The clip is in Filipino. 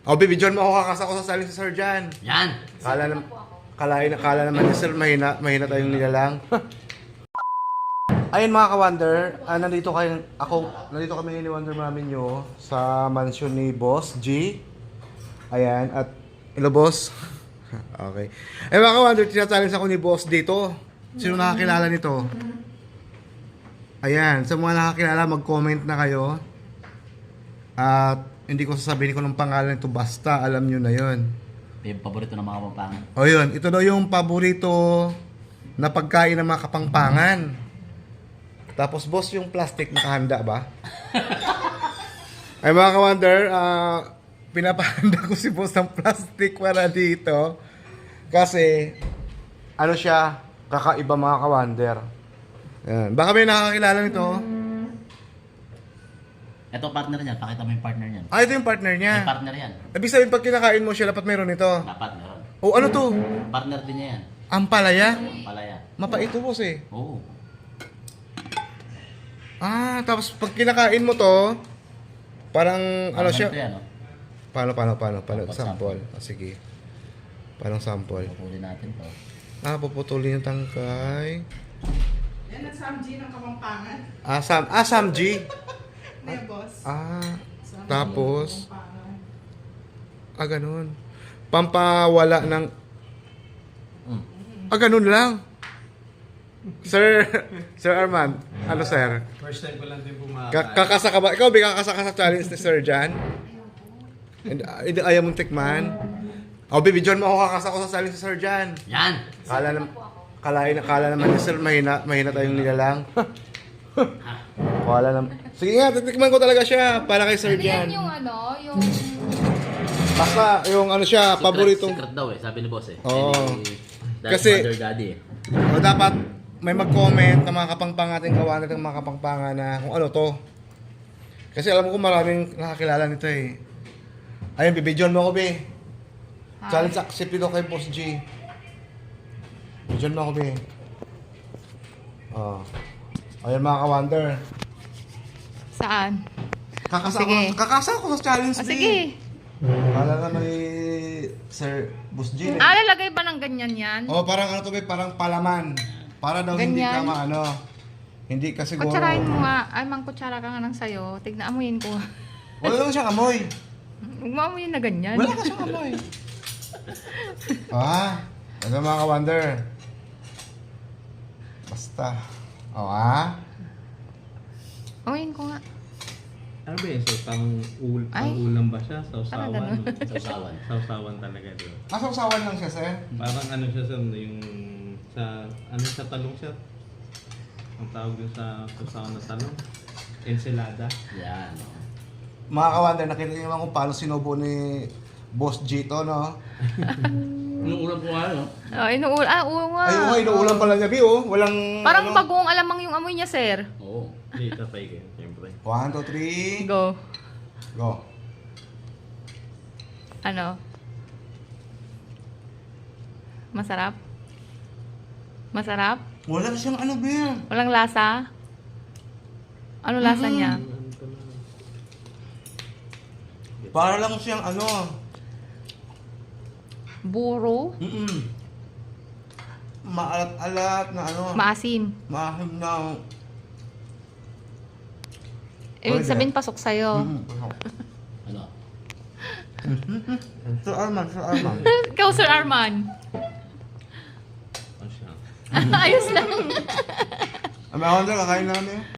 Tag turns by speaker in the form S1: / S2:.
S1: Oh, bibidyon mo ako kakasa ko sa saling si Sir Jan.
S2: Yan!
S1: Kala naman ni Sir, mahina tayong nilalang. Ayun mga ka-Wonder, nandito kami ni Wonder Mami nyo sa mansion ni Boss G. Ayan, at hello Boss. Okay. Eh mga ka-Wonder, tinachallenge ako ni Boss dito. Sino nakakilala nito? Ayan, sa mga nakakilala, mag-comment na kayo. At hindi ko sasabihin ko ng pangalan nito, basta alam nyo na yon.
S2: Yung paborito ng mga kapampangan.
S1: O yun, ito daw yung paborito na pagkain ng mga kapangpangan. Tapos boss, yung plastic nakahanda ba? Ay mga ka-Wonder, pinapahanda ko si boss ng plastic para dito. Kasi, ano siya, kakaiba mga ka-Wonder. Ayan. Baka may nakakilala nito.
S2: Ito partner niyan, pakita mo yung partner niyan.
S1: Ah, ito yung partner niya.
S2: May partner yan.
S1: Ibig sabihin, pag kinakain mo siya, dapat mayroon ito.
S2: Dapat meron.
S1: O ano to?
S2: Partner din niya yan.
S1: Ampalaya?
S2: Palaya.
S1: Mapait to boss eh.
S2: Oo.
S1: Ah, tapos pag kinakain mo to, parang ano siya?
S2: Ito yan, oh.
S1: Paano?
S2: Sample.
S1: Sample. Ah, sige. Parang sample.
S2: Pupuli natin to.
S1: Ah, puputulin yung tangkay.
S3: Yan ang Samji ng Kapampangan.
S1: Samg.
S3: Hindi, boss. Samji
S1: Tapos,
S3: ng Kapampangan.
S1: ganun. Pampawala ng... ganun lang. Sir Arman, ano sir?
S4: First time ko lang din
S1: Kakasa ka ba? Ikaw, kakasa ka sa challenge ni Sir Jan? Hindi ayaw mong tikman? O, bibidyon mo ako kakasa ko sa challenge ni Sir Jan.
S2: Yan!
S1: Kala naman ni Sir, mahina tayong nilalang. Kala naman. Sige nga, titikman ko talaga siya para kay Sir
S5: Ano yan
S1: Jan.
S5: yung ano, yung...
S1: Basta, yung ano siya, paboritong...
S2: Secret daw eh, sabi ni boss eh.
S1: Oo.
S2: Kasi...
S1: Kasi-
S2: Mother Daddy eh.
S1: O, dapat may mag-comment na mga kapangpang ating kawan natin mga kapangpangan na kung ano to. Kasi alam ko maraming nakakilala nito eh. Ayun, bibidyon mo ako, be. Challenge accepted ako kay Boss G. Bibidyon mo ako, be. Ayun mga ka-Wonder.
S5: Saan?
S1: Kakasa
S5: Sige.
S1: ko sa challenge, be.
S5: Sige.
S1: Kala na may Sir Boss G.
S5: Lalagay ba ng ganyan yan?
S1: Oh, parang ano to, be, parang palaman. Para daw hindi ka
S5: Ganyan?
S1: maano. Hindi ka siguro.
S5: Kutsarahin mo nga. Ay, kutsara ka nga ng sayo. Tignan, amuyin ko.
S1: Wala lang siyang amoy.
S5: Huwag mo amuyin na ganyan.
S1: Wala ka siyang amoy. Ano mga ka-Wonder? Basta.
S5: Amuyin ko nga.
S4: Ano ba yun? So,
S5: Ay.
S4: ulam ba siya?
S5: Parang
S4: Sausawan?
S5: ganun.
S2: Sausawan.
S4: Sausawan talaga doon.
S1: Sausawan lang siya, sir.
S4: Parang ano siya yung sa talong siya. Ang tawag dun sa sausawan na talong. Ensalada.
S2: Yan. Oh.
S1: Mga ka-Wonder, nakita niyo naman kung paano sinubo ni Boss G to, no?
S2: Yung ulam ko nga, no?
S5: Oh, oo nga.
S1: Ay, inuulam pala niya, Bi, oh. Walang,
S5: Parang
S1: ano.
S5: bagong alamang yung amoy niya, sir.
S2: Oo.
S4: Hindi, tapay kayo. Siyempre.
S1: 1, 2, 3.
S5: Go.
S1: Go.
S5: Ano? Masarap? Masarap?
S1: Wala siyang ano, Bi.
S5: Walang lasa? Ano lasa niya?
S1: Para lang siyang ano.
S5: Buro?
S1: Maalat-alat na ano.
S5: Maasim?
S1: Mahim na.
S5: Ibig sabihin pasok sa'yo.
S2: Ano?
S1: Sir Arman.
S5: Ikaw, Sir Arman.
S4: Ano siya?
S5: Ayos lang.
S1: Mga ka-Wonder, kakain namin.